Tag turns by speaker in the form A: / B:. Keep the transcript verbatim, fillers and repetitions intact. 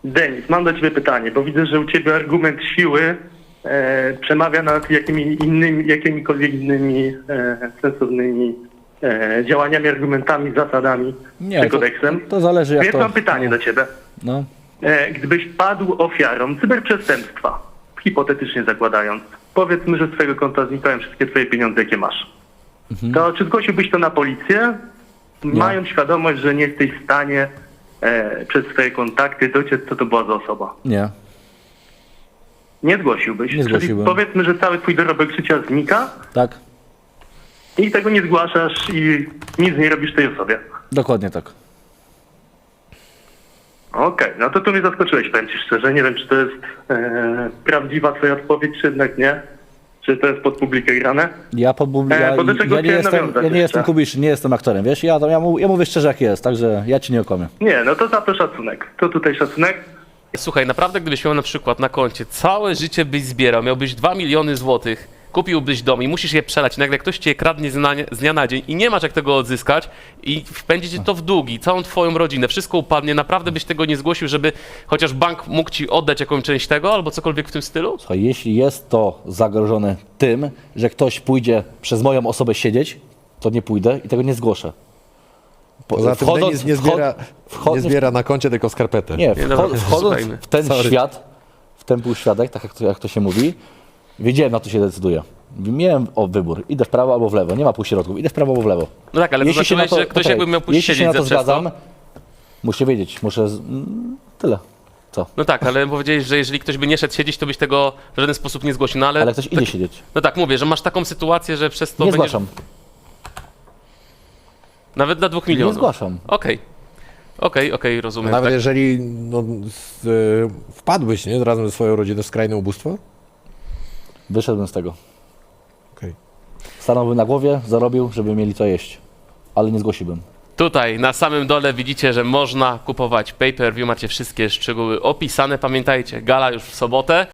A: Denis, mam do ciebie pytanie, bo widzę, że u ciebie argument siły e, przemawia nad jakimi innymi, jakimikolwiek innymi e, sensownymi e, działaniami, argumentami, zasadami
B: Nie,
A: czy
B: to,
A: kodeksem.
B: to zależy jak
A: Więc
B: to...
A: mam pytanie do ciebie.
B: No.
A: E, gdybyś padł ofiarą cyberprzestępstwa, hipotetycznie zakładając, powiedzmy, że z twojego konta znikają wszystkie twoje pieniądze, jakie masz,
B: Mhm.
A: to czy zgłosiłbyś to na policję, mając świadomość, że nie jesteś w stanie e, przez swoje kontakty dociec, co to była za osoba?
B: Nie.
A: Nie zgłosiłbyś.
B: Nie zgłosiłbym.
A: Czyli powiedzmy, że cały twój dorobek życia znika
B: Tak?
A: i tego nie zgłaszasz i nic nie robisz tej osobie.
B: Dokładnie tak.
A: Okej, no to tu mnie zaskoczyłeś, powiem ci szczerze. Nie wiem, czy to jest e, prawdziwa twoja odpowiedź, czy jednak nie. Czy to jest pod publikę grane?
B: Ja, podbub...
A: E,
B: ja,
A: bo do czego
B: ja nie
A: chciałem
B: jestem,
A: nawiązać
B: ja nie
A: jeszcze?
B: jestem kubiszyn, nie jestem aktorem, wiesz? Ja, to, ja, mu, ja mówię szczerze jak jest, także ja ci nie okłamię.
A: Nie, no to za to szacunek. To tutaj szacunek.
C: Słuchaj, naprawdę gdybyś miał na przykład na koncie całe życie byś zbierał, miałbyś dwa miliony złotych, kupiłbyś dom i musisz je przelać, i nagle ktoś cię kradnie z dnia, z dnia na dzień i nie masz jak tego odzyskać i wpędzi cię to w długi, całą twoją rodzinę, wszystko upadnie, naprawdę byś tego nie zgłosił, żeby chociaż bank mógł ci oddać jakąś część tego albo cokolwiek w tym stylu?
B: Słuchaj, jeśli jest to zagrożone tym, że ktoś pójdzie przez moją osobę siedzieć, to nie pójdę i tego nie zgłoszę. Po,
D: Poza tym Denis nie zbiera,
B: wchod-
D: nie zbiera na koncie, tylko skarpetę.
B: Nie,
C: Nie,
B: wcho-
C: dobra,
B: wchodząc
C: słuchajmy.
B: w ten
D: Sorry.
B: świat, w ten półświatek, tak jak to, jak to się mówi, wiedziałem, na co się decyduję. Miałem o wybór, idę w prawo albo w lewo, nie ma półśrodków, idę w prawo albo w lewo.
C: No tak, ale to
B: Jeśli się
C: znaczyłeś,
B: na to-
C: że ktoś
B: poczekaj,
C: jakby miał pójść
B: jeśli się
C: siedzieć
B: na to
C: za przez to.
B: zgadzam, muszę wiedzieć, muszę... z- mm, Tyle. Co?
C: No tak, ale powiedziałeś, że jeżeli ktoś by nie szedł siedzieć, to byś tego w żaden sposób nie zgłosił, no ale...
B: Ale ktoś idzie
C: tak,
B: siedzieć.
C: no tak, mówię, że masz taką sytuację, że przez to
B: Nie
C: będziesz...
B: zgłaszam.
C: Nawet dla dwóch milionów.
B: Nie zgłaszam.
C: Okej. Okej, okej, rozumiem.
D: Nawet
C: tak.
D: jeżeli no, z, y, wpadłeś nie, razem ze swoją rodziną w skrajne ubóstwo?
B: Wyszedłem z tego.
D: Okej.
B: Stanąłbym na głowie, zarobił, żeby mieli co jeść. Ale nie zgłosiłbym.
C: Tutaj na samym dole widzicie, że można kupować pay-per-view, macie wszystkie szczegóły opisane. Pamiętajcie, gala już w sobotę.